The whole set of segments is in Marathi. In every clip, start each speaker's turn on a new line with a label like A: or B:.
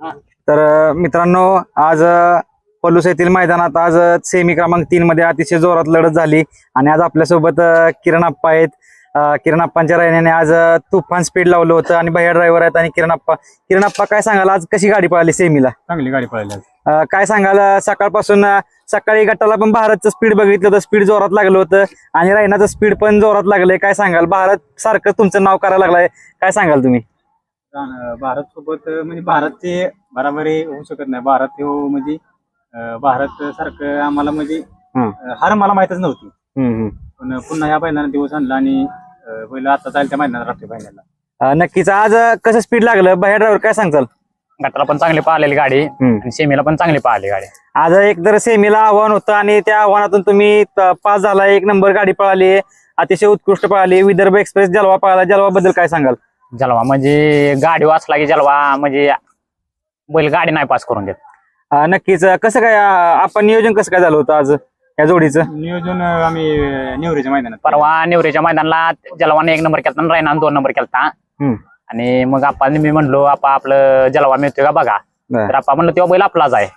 A: तर मित्रांनो आज पलूस येथील मैदानात आज सेमी क्रमांक 3 मध्ये अतिशय जोरात लढत झाली आणि आज आपल्यासोबत किरण आप्पा आहेत. किरण आप्पांच्या रायण्याने आज तुफान स्पीड लावलं होतं आणि भैया ड्रायव्हर आहेत आणि किरण आप्पा काय सांगाल आज कशी गाडी पळाली सेमीला?
B: चांगली गाडी पळाली.
A: काय सांगाल सकाळपासून सकाळी गटाला पण भारतचं स्पीड बघितलं होतं, स्पीड जोरात लागलं होतं आणि रायनाचं स्पीड पण जोरात लागलंय. काय सांगाल भारत सारखं तुमचं नाव करायला लागलंय, काय सांगाल तुम्ही?
B: भारत सोबत म्हणजे भारतचे बराबरी होऊ शकत नाही. भारत हो म्हणजे भारत सारखं आम्हाला म्हणजे हार मला माहितच नव्हती. पण पुन्हा ह्या बैलांना दिवस आणला आणि बैल आता जाईल त्या मैदानात राहते बैलाला.
A: नक्कीच आज कसं स्पीड लागलं भैया ड्रायव्हर, काय सांगताल?
C: गटाला पण चांगली पाहिलेली गाडी आणि सेमीला पण चांगली पाहिली गाडी.
A: आज एक तर सेमीला आव्हान होतं आणि त्या आव्हानातून तुम्ही पास झाला, 1 नंबर गाडी पळाली, अतिशय उत्कृष्ट पळाली. विदर्भ एक्सप्रेस जलवा पळाला, जलवा बद्दल काय सांगाल?
C: जलवा म्हणजे गाडी वाचला की जलवा म्हणजे बैल गाडी नाही पास करून देत.
A: नक्कीच कसं काय आपण नियोजन कसं काय झालं होतं आज या जोडीचं?
B: नियोजन आम्ही नेवरीच्या मैदानात
C: परवा नेवरेच्या मैदानाला जलवाने 1 नंबर केलता आणि रायनाने 2 नंबर केलता. आणि मग आपण मी म्हणलो आपलं जलवा मिळतोय का बघा, तर आपण म्हणलं तेव्हा बैल आपलाच आहे.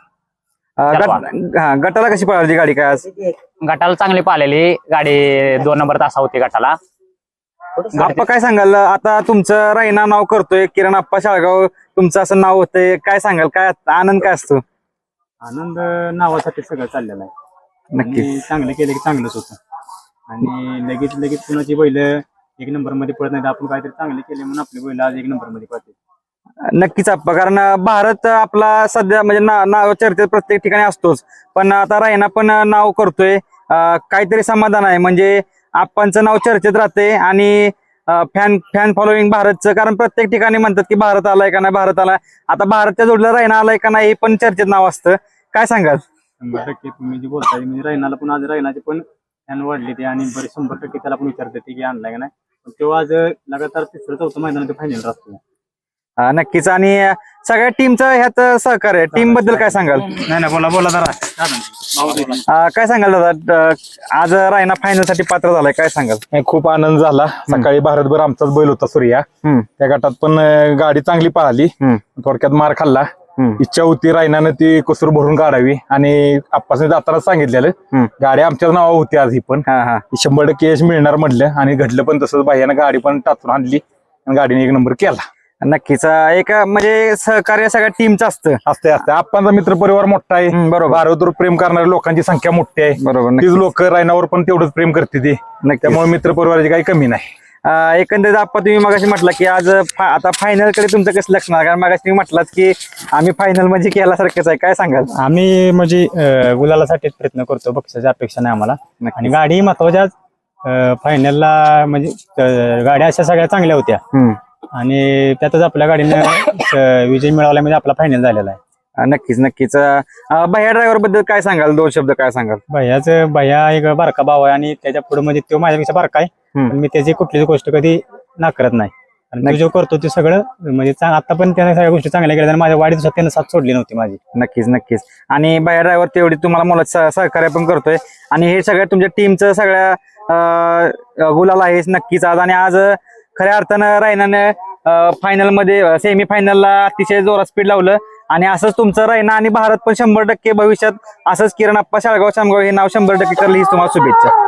A: गटाला कशी पळाली गाडी काय आज?
C: गटाला चांगली पाहिलेली गाडी, 2 नंबर तासा होती गटाला.
A: आप्पा काय सांगाल आता तुमचं रायना नाव करतोय, किरण आप्पा शाळगाव तुमचं असं नाव होतंय, काय सांगाल, काय आनंद काय असतो?
B: आनंद नावासाठी सगळं चाललेलं आहे.
A: नक्कीच
B: चांगलं केलं की चांगलंच होतं आणि लगेच कुणाची बैल 1 नंबर मध्ये पडत नाही. आपण काहीतरी चांगले केले म्हणून आपले बैल आज 1 नंबर मध्ये पडते.
A: नक्कीच आप्पा, कारण भारत आपला सध्या म्हणजे नाव चर्चेत प्रत्येक ठिकाणी असतोच, पण आता रायना पण नाव करतोय, काहीतरी समाधान आहे. म्हणजे आप्पांचं नाव चर्चेत राहते आणि फॅन फॉलोईंग भारतचं, कारण प्रत्येक ठिकाणी म्हणतात की भारत आलाय का नाही, भारत आलाय. आता भारतच्या जोडीला रायना आलाय का नाही हे पण चर्चेत नाव असतं, काय सांगाल?
B: 100% तुम्ही जे बोलताय म्हणजे रायनाला पण आज रायनाचे पण फॅन वाढले ते आणि बरे 100% त्याला पण विचारते की आणलाय का नाही. तेव्हा आज लगातार 3-4 मैदानात फायनल राहतो.
A: नक्कीच. आणि सगळ्या टीमचं ह्यात सहकार्य, टीम बद्दल काय सांगाल?
B: नाही बोला जरा.
A: काय सांगाल दादा, आज रायना फायनल साठी पात्र झालाय, काय सांगाल?
D: खूप आनंद झाला. सकाळी भारतभर आमचाच बैल होता सूर्या, त्या गटात पण गाडी चांगली पळाली, थोडक्यात मार खाल्ला. इच्छा होती रायनानं ती कुसूर भरून काढावी आणि आप्पासने जाताना सांगितलेलं गाडी आमच्याच नावा होती आज ही पण 100% यश मिळणार म्हटलं आणि घडलं पण तसंच. बाह्यानं गाडी पण टाचून आणली आणि गाडीने 1 नंबर केला.
A: नक्कीच एक म्हणजे सहकार्य सगळ्या टीमचं
D: असते. आप्पांचा मित्र परिवार मोठा आहे,
A: बरोबर.
D: भारतवर प्रेम करणाऱ्या लोकांची संख्या मोठी आहे,
A: बरोबर.
D: तीच लोक रायनावर पण तेवढंच प्रेम करते ती, त्यामुळे मित्र परिवाराची काही कमी नाही.
A: एकंदरीत आप्पा तुम्ही मगाशी म्हटलं की आज आता फायनल कडे तुमचं कसं लक्ष नाही, कारण मगाशी तुम्ही म्हटलात की आम्ही फायनल म्हणजे केल्यासारखंच आहे, काय सांगाल?
B: आम्ही म्हणजे गुलालासाठीच प्रयत्न करतो, बक्षाची अपेक्षा नाही आम्हाला. आणि गाडी महत्वाच्या फायनलला म्हणजे गाड्या अशा सगळ्या चांगल्या होत्या आणि त्यातच आपल्या गाडीनं विजय मिळवला म्हणजे आपला फायनल झालेला आहे.
A: नक्कीच. भैया ड्रायव्हर बद्दल काय सांगाल, 2 शब्द काय सांगाल?
B: भैया एक बारका भाव आहे आणि त्याच्या पुढे म्हणजे तो माझ्यापेक्षा बारका आहे, पण मी त्याची कुठलीच गोष्ट कधी नाकारत नाही. आणि तो जो करतो ते सगळं म्हणजे आता पण त्याने सगळ्या गोष्टी चांगल्या केल्या आणि माझ्या वाढीत त्यानं साथ सोडली नव्हती माझी.
A: नक्कीच. आणि भैया ड्रायव्हर तेवढी तुम्हाला मुलात सहकार्य पण करतोय आणि हे सगळ्या तुमच्या टीमचं सगळ्या गुलाल आहे नक्कीच आज. आणि आज खऱ्या अर्थानं रायनानं फायनल मध्ये सेमी फायनलला अतिशय जोरात स्पीड लावलं आणि असंच तुमचं रायना आणि भारत पण 100% भविष्यात असंच किरण आप्पा शाळगाव हे नाव 100% करलं, हीच तुम्हाला शुभेच्छा.